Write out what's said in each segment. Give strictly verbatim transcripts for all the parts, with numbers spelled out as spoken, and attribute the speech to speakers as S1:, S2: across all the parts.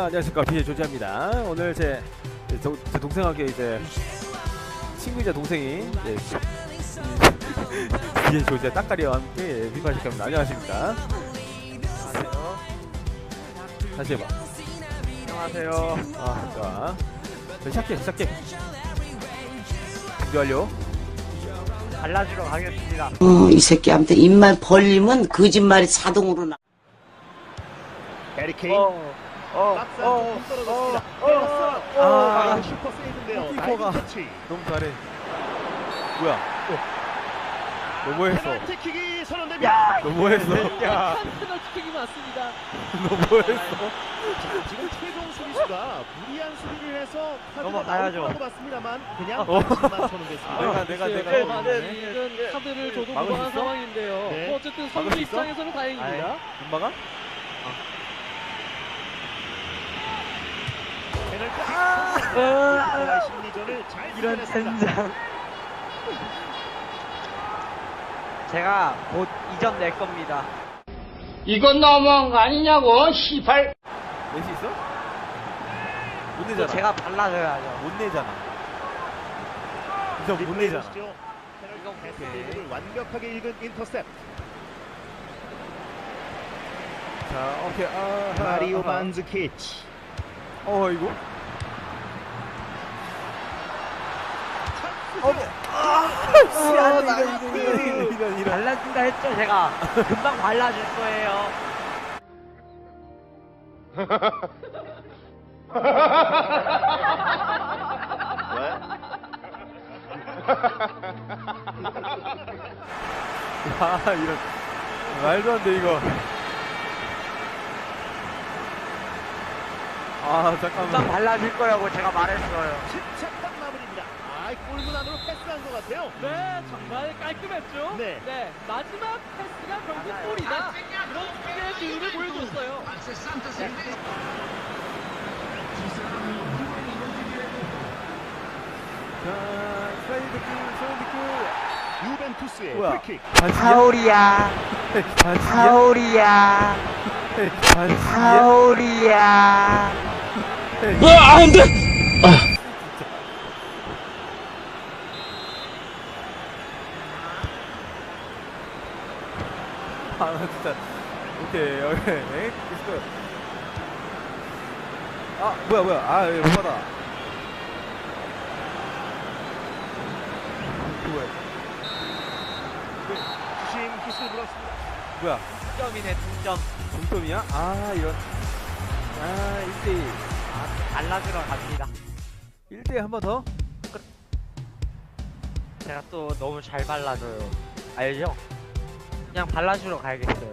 S1: 안녕하십니까, 비의 조지아입니다. 오늘 제, 제, 동, 제 동생에게 이제 친구이자 동생이 이제 비의 조지아 딱가리와 함께 비판 시작합니다. 안녕하십니까.
S2: 안녕하세요.
S1: 다시 해봐.
S2: 안녕하세요.
S1: 아, 좋아. 자, 시작해, 시작해. 준비 완료.
S2: 발라주러 가겠습니다.
S3: 어, 이 새끼한테 입만 벌리면 거짓말이 자동으로 나.
S4: 에릭 케인.
S2: 어, 어,
S4: 막상
S2: 어,
S4: 좀 떨어졌습니다.
S2: 어,
S4: 때렸어요.
S2: 어,
S1: 아,
S4: 아, 슈퍼 세이브인데요.
S1: 골키퍼가.
S4: 나이스 터치.
S1: 너무 잘해. 뭐야? 너 뭐했어?
S4: 페널티킥이 선언됩니다.
S1: 너 뭐했어?
S2: 야,
S5: 페널티킥이 맞습니다.
S1: 너 뭐했어?
S4: 자, 지금 최종 수비수가 무리한 수비를 해서 카드가
S2: 넘어가야죠.
S4: 나올 거라고 봤습니다만 그냥
S1: 어.
S4: 반칙만 선언됐습니다.
S1: 내가, 내가, 내가.
S5: 글쎄요,
S1: 어,
S5: 아직은 카드를 줘도
S1: 막을 수
S5: 무방한
S1: 있어?
S5: 상황인데요.
S4: 네.
S5: 뭐 어쨌든
S1: 막을
S5: 선수
S1: 수 있어?
S5: 입장에서는 다행입니다.
S1: 엄마가?
S4: 페널티킥
S2: 아,
S4: 선언. 심리전을 잘
S2: 이런
S4: 이겨냈습니다.
S2: 젠장. 제가 곧 이전 낼 겁니다.
S6: 이건 너무한 거 아니냐고, 시발.
S1: 낼 수 있어? 못
S2: 또
S1: 내잖아.
S2: 제가 발라줘야죠.
S1: 못 내잖아. 진짜 못 내잖아.
S4: 보시죠. 페널티 패스를 완벽하게 읽은 인터셉트.
S1: 자, 오케이. 아,
S4: 마리오
S1: 아하.
S4: 만즈키치.
S1: 어, 이거?
S4: 어,
S1: 아, 이런, 이런, 이런, 이런, 이런.
S2: 발라준다 했죠, 제가. 금방 발라줄 거예요.
S1: 아, 이런. 말도 안 돼, 이거. 아,
S2: 금방
S1: 잠깐만.
S2: 발라줄 거라고 제가 말했어요.
S4: 침착한 마무리입니다. 아, 골문 안으로 패스한 것 같아요.
S5: 네, 정말 깔끔했죠.
S4: 네.
S5: 마지막 패스가 결국 골이다. 이런 스킬의 기운을 보여줬어요.
S1: 자, 슬라이드 킥, 슬라이드 킥.
S4: 유벤투스의
S1: 뭐야?
S4: 프리킥.
S1: 반칙이야?
S2: 파울이야.
S1: 반칙이야?
S2: 파울이야.
S1: 반칙이야?
S2: 파울이야.
S6: 아, 안 돼!
S1: 아, 진짜. 오케이, 오케이. 에이, 있을 아, 뭐야, 뭐야. 아, 못 받아. 뭐야.
S4: 주심 기술 불었습니다.
S1: 뭐야.
S2: 득점이네, 득점.
S1: 동점이야? 아, 이런. 아, 일 대 일.
S2: 아, 발라주러 갑니다.
S1: 일 대 일 한 번 더?
S2: 제가 또 너무 잘 발라줘요. 알죠? 그냥 발라주러 가야겠어요.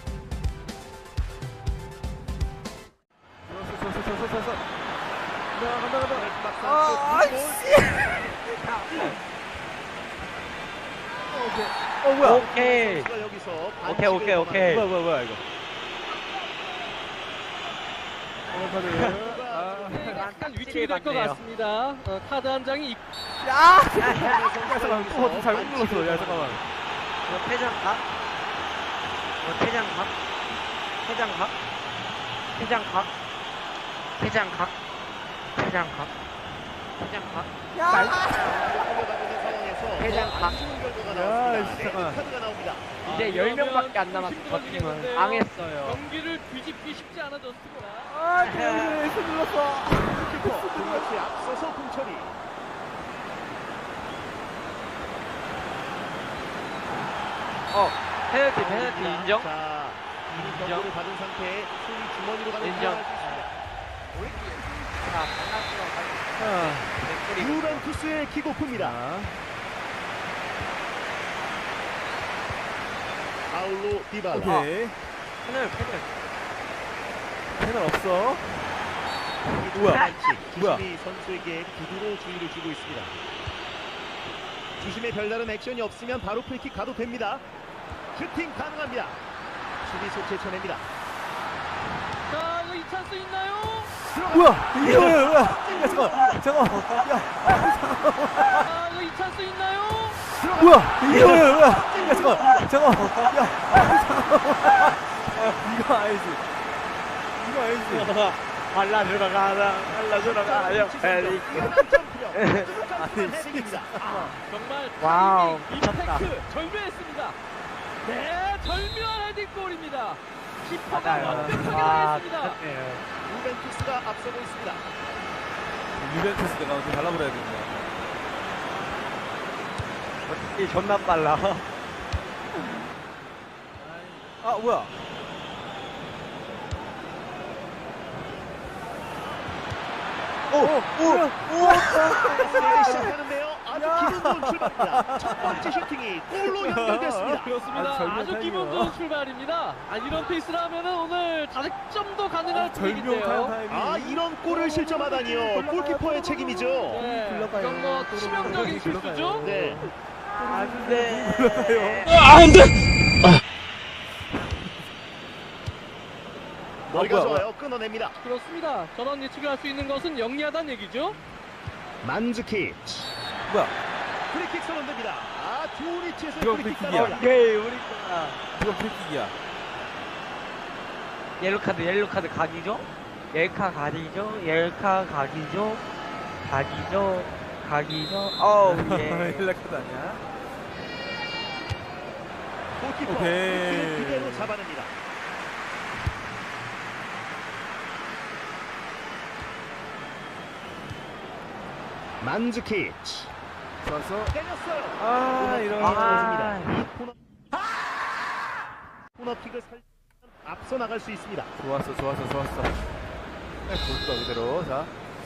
S1: 서, 서, 서, 서, 서, 서. 간다, 간다, 간다.
S4: 아,
S1: 오케이. 어, 뭐야.
S2: 오케이.
S4: 여기서
S2: 오케이, 오케이, 오케이.
S1: 뭐야, 뭐야, 뭐야, 이거. 어, 카드. 아,
S5: 네, 약간
S2: 깍지를
S5: 위축이 될 것
S2: 받네요.
S5: 같습니다. 어, 카드 한 장이 있-
S1: 야! 야, 잠깐만. 어, 잘못 눌렀어. 야, 잠깐만.
S2: 이거 퇴장각? 이거 퇴장각? 퇴장각? 퇴장각? 퇴장각? 퇴장각? 퇴장각? 퇴장각?
S1: 야, 씨, 잠깐만.
S4: 카드가 나옵니다.
S2: 이제 열 명밖에 안 남았어. 저 팀은 망했어요.
S5: 경기를 뒤집기 쉽지 않아졌습니다.
S1: 아, 그래, 손 눌렀어.
S4: 키퍼 공격수에 앞서서 공처리.
S2: 어, 페널티, 페널티 인정?
S4: 자, 이미
S2: 인정.
S4: 경고를 받은 상태에 손이 주머니로 가는
S2: 인정.
S4: 상황을 수 있습니다.
S2: 자, 발라주러 가겠습니다.
S1: 아,
S2: 개꿀이.
S4: 유벤투스의 킥오프입니다.
S1: 자,
S4: 파울로 디발라.
S1: 오케이.
S2: 페널, 페널.
S1: 패널 없어. 뭐야?
S4: 반칙.
S1: 뭐야?
S4: 주심이 선수에게 구두로 주의를 주고 있습니다. 주심의 별다른 액션이 없으면 바로 프리킥 가도 됩니다. 슈팅 가능합니다. 수비수 제쳐냅니다.
S5: 자, 이거 이 찬스 있나요?
S1: 뭐야? 이게 뭐야? 뭐야? 야, 잠깐만. 잠깐만. 야,
S5: 아, 이거 이 찬스 있나요?
S1: 뭐야? 이게 뭐야? 뭐야? 야, 잠깐만. 잠깐만. 야, 잠깐만. 이거 아니지. 이거 아니지.
S2: 발라주러 가자. 발라주러 가요. 에릭.
S5: 정말
S2: 와우,
S5: 타이밍,
S2: 미쳤다.
S5: 임팩트 절묘했습니다. 네, 절묘한 헤딩골입니다. 키퍼가
S2: 맞아요.
S5: 완벽하게
S2: 와,
S5: 했습니다.
S2: 미쳤네요.
S4: 유벤투스가 앞서고 있습니다.
S1: 유벤투스 내가 어떻게 발라버려야 됩니다.
S2: 이 존나 빨라.
S1: 아 뭐야?
S4: 세게 시작하는데요. 아주 기분 좋은 출발입니다. 첫 번째 슈팅이 골로 연결됐습니다.
S5: 그렇습니다.
S1: 아주 절묘한
S5: 아주 기분
S1: 타이밍이에요.
S5: 좋은 출발입니다. 아, 이런 페이스를 하면은 오늘 다득점도 가능할
S1: 절묘한
S5: 분위기인데요.
S1: 타이밍.
S4: 아, 이런 골을 실점하다니요. 골키퍼의 책임이죠.
S5: 네,
S1: 굴러가요.
S5: 이건 뭐 치명적인
S1: 굴러가요.
S5: 실수죠.
S4: 네.
S2: 안 돼.
S4: 머리가
S1: 뭐야,
S4: 좋아요. 끊어냅니다.
S5: 그렇습니다. 전원 예측을 할 수 있는 것은 영리하다는 얘기죠.
S4: 만즈키치.
S1: 뭐야?
S4: 프리킥 선언됩니다. 아, 좋은 위치에서
S1: 이거
S4: 프리킥
S1: 프리킥이야.
S4: 따라옵니다.
S2: 오케이, 우리 거야.
S1: 이거 프리킥이야.
S2: 옐로 카드, 옐로 카드 각이죠? 옐카 각이죠? 옐카 각이죠? 각이죠? 각이죠? 어우, 예.
S1: 힐라카드 아니야?
S4: 골키퍼
S1: 오케이.
S4: 골키를 그대로 잡아냅니다. 만즈키치.
S1: 좋았어.
S4: 때렸어요.
S1: 아 이런.
S2: 아.
S4: 이 코너. 코너킥을 살 앞서 나갈 수 있습니다.
S1: 좋았어, 좋았어, 좋았어. 네, 볼까 그대로. 자.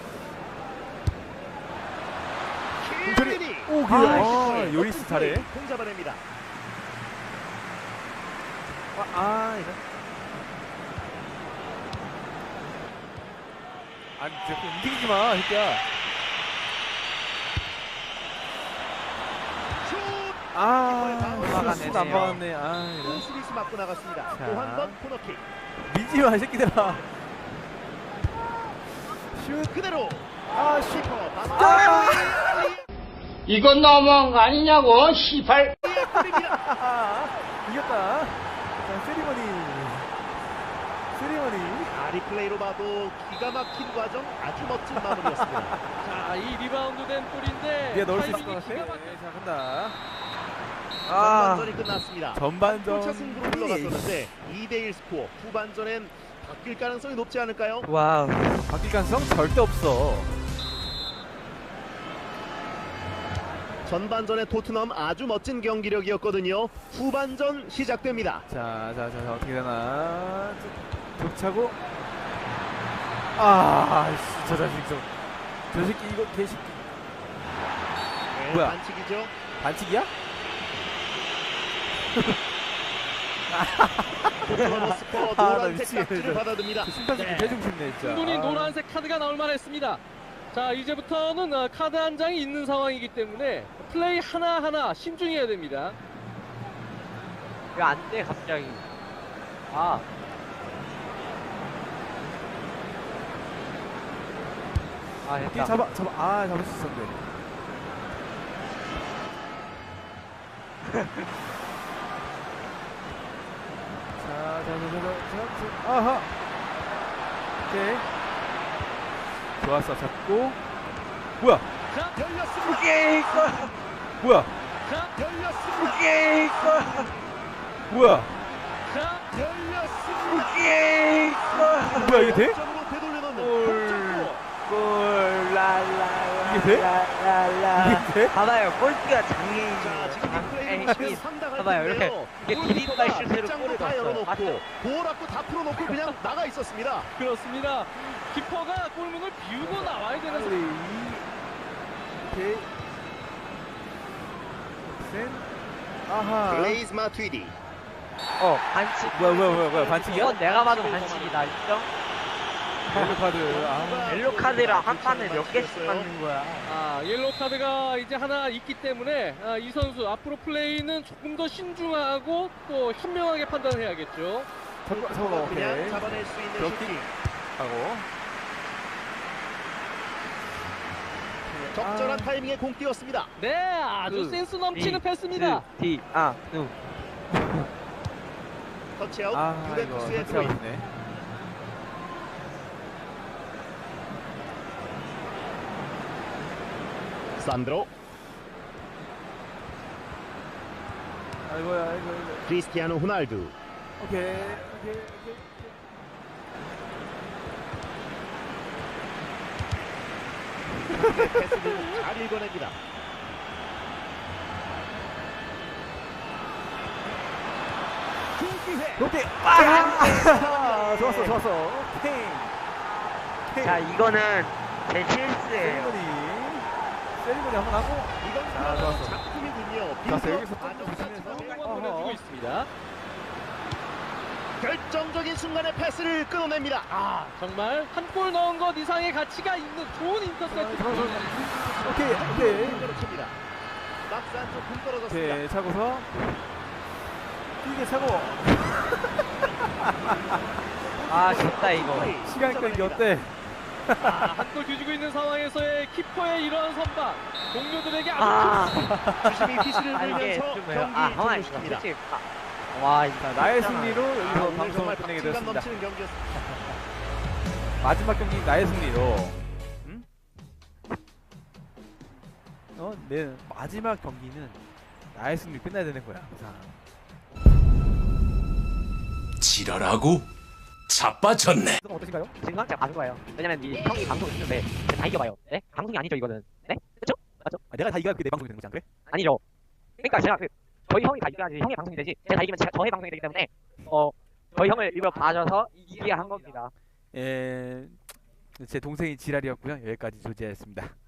S4: 킬리니.
S1: 오, 그,
S4: 아,
S1: 아, 요리스 잘해.
S4: 공 잡아냅니다.
S1: 아, 아 이런. 아니, 자꾸 움직이지 마, 새끼야.
S4: 슛.
S1: 아,
S2: 막아내네요.
S1: 슛 안 막았네. 아, 이런.
S4: 수비수 맞고 나갔습니다.
S1: 자.
S4: 또 한 번 코너킥.
S1: 미지 마, 이 새끼들아. 슛.
S4: 그대로.
S1: 아, 슛.
S4: 키퍼
S1: 아!
S6: 이건 너무한 거 아니냐고, 시발.
S4: 골입니다.
S1: 이겼다. 자, 세리머니. 세리머니.
S4: 아, 리플레이로 봐도 기가 막힌 과정 아주 멋진 마무리였습니다.
S5: 자, 이 리바운드 된 골인데
S1: 네가 넣을 수 있을 것
S5: 타이밍이
S1: 같아.
S5: 기가 막혀-
S1: 네, 자, 간다.
S2: 아,
S4: 전반전이 끝났습니다.
S1: 전반전.
S4: 골차 승부로 흘러갔었는데 이 대 일 스코어. 후반전엔 바뀔 가능성이 높지 않을까요?
S2: 와우.
S1: 바뀔 가능성 절대 없어.
S4: 전반전의 토트넘 아주 멋진 경기력이었거든요. 후반전 시작됩니다.
S1: 자, 자, 자, 자 어떻게 되나? 족차고. 아, 씨, 저 자식 좀. 저 새끼 이거 개새끼.
S4: 네,
S1: 뭐야?
S4: 반칙이죠.
S1: 반칙이야?
S4: 토트넘 스포
S1: 아, 나
S4: 노란색
S1: 미치겠네,
S4: 딱지를
S1: 진짜.
S4: 받아듭니다.
S1: 저 심판 새끼
S5: 네.
S1: 대중심네 진짜.
S5: 충분히
S1: 아.
S5: 노란색 카드가 나올 만했습니다. 자, 이제부터는 어, 카드 한 장이 있는 상황이기 때문에 플레이 하나하나 신중해야 됩니다.
S2: 왜 안 돼, 갑자기. 아. 아,
S1: 이게
S2: 됐다.
S1: 잡아, 잡아, 아, 잡을 수 있었는데. 자, 자, 자, 자, 자, 자, 아하. 오케이. 좋았어, 잡고. 뭐야?
S4: 자, 열렸습니다.
S2: 오케이, 골!
S1: 뭐야?
S4: 자, 열렸습니다.
S2: 오케이, 골!
S1: 뭐야?
S4: 자, 열렸습니다.
S2: 오케이, 골!
S1: 뭐야, 이게 돼?
S4: 점으로 되돌려놓는
S1: 골.
S4: 동점골.
S2: 골, 랄라.
S1: 이게 돼?
S2: 랄라.
S1: 이게 돼?
S2: 봐봐요, 골키가
S4: 자,
S2: 장애인이에요.
S4: 지금 리플레이를 보시면 상당할
S2: 봐봐요,
S4: 텐데요.
S2: 이렇게 디디바이
S4: 골키퍼가
S2: 슛으로
S4: 빗장도
S2: 골을
S4: 다
S2: 넣었어요.
S4: 열어놓고
S2: 맞죠?
S4: 볼 앞고 다 풀어놓고 그냥 나가 있었습니다.
S5: 그렇습니다. 키퍼가 골문을 비우고 나와야 되는
S1: 우리
S5: 상황.
S1: 이, 오케이. 센. 아하.
S4: 블레이즈 마투이디.
S2: 어, 반칙.
S1: 뭐야, 뭐야, 뭐야, 뭐야, 반칙이야?
S2: 이건 내가 봐도 반칙이다, 인정?
S1: 옐로 카드. 아,
S2: 옐로 카드랑 한 판에 몇 개씩 받는 거야.
S5: 아, 옐로우 카드가 이제 하나 있기 때문에 아, 이 선수 앞으로 플레이는 조금 더 신중하고 또 현명하게 판단해야겠죠.
S1: 잡고, 잡고,
S4: 그냥
S1: 오케이.
S4: 잡아낼 수 있는
S1: 그렇게
S4: 슈팅.
S1: 하고.
S4: 적절한
S1: 아.
S4: 타이밍에 공 띄웠습니다.
S5: 네, 아주
S2: 그,
S5: 센스 넘치는
S2: 이,
S5: 패스입니다.
S2: 디, 아, 누.
S4: 터치아웃
S1: 아, 이거
S4: 유벤투스의
S1: 터치아웃
S4: 드로인.
S1: 네
S4: 산드로,
S1: 아이고야, 아이고, 아이고.
S4: 크리스티아노 호날두.
S1: 오케이, 오케이, 오케이.
S4: 패스를 잘 읽어냅니다. 기회.
S1: 롯데. 아! 좋았어, 좋았어. 팽. 팽.
S2: 자, 이거는 제 실수예요.
S1: 세리머니. 세리머니 한번 하고.
S4: 이건
S1: 아, 좋았어.
S4: 작품이군요.
S1: 좋았어,
S4: 빈도
S1: 여기서 또
S4: 아주
S1: 보시면서.
S4: 따뜻하게
S5: 공만 보내주고 있습니다.
S4: 결정적인 순간에 패스를 끊어냅니다.
S5: 아, 정말 한 골 넣은 것 이상의 가치가 있는 좋은 인터셉트.
S1: 오케이, 오케이.
S4: 칩니다. 박스 안쪽 공 떨어졌습니다.
S1: 오케이, 차고서. 이게 차고.
S2: 아, 진짜 이거.
S1: 시간 끌기 어때?
S5: 아, 한 골 뒤지고 있는 상황에서의 키퍼의 이러한 선방. 동료들에게 아주
S2: 아,
S4: 주심이 휘슬을
S2: 아 이게
S4: 불면서
S2: 좀
S4: 경기
S2: 아, 가만히 있어.
S4: 종료시킵니다.
S2: 솔직히, 아, 와, 이거
S1: 자, 나의
S2: 진짜
S1: 승리로
S4: 아,
S1: 여기서
S4: 오늘
S1: 방송을
S4: 정말
S1: 끝내게
S4: 박진감
S1: 되었습니다.
S4: 넘치는 경기였습니다.
S1: 마지막 경기 나의 승리로. 응? 어, 내 마지막 경기는 나의 승리 끝나야 되는 거야. 자,
S7: 지랄하고 자빠졌네.
S1: 어떠신가요?
S2: 지금 제가 가는 거예요. 왜냐면 이 형이 방송 있는데 제가 다 이겨봐요. 네? 방송이 아니죠 이거는. 네? 그렇죠? 맞죠?
S1: 아, 내가 다 이겨야 그게 내 방송이 되는 거지 안 그래?
S2: 아니죠. 그러니까 제가 그 저희 형이 다 이겨야지 형의 방송이 되지. 제가 다 이기면 제가 저의 방송이 되기 때문에 어 저희 형을 일부러 봐줘서 이기게 한 겁니다.
S1: 예, 제 동생이 지랄이었고요. 여기까지 조지하였습니다.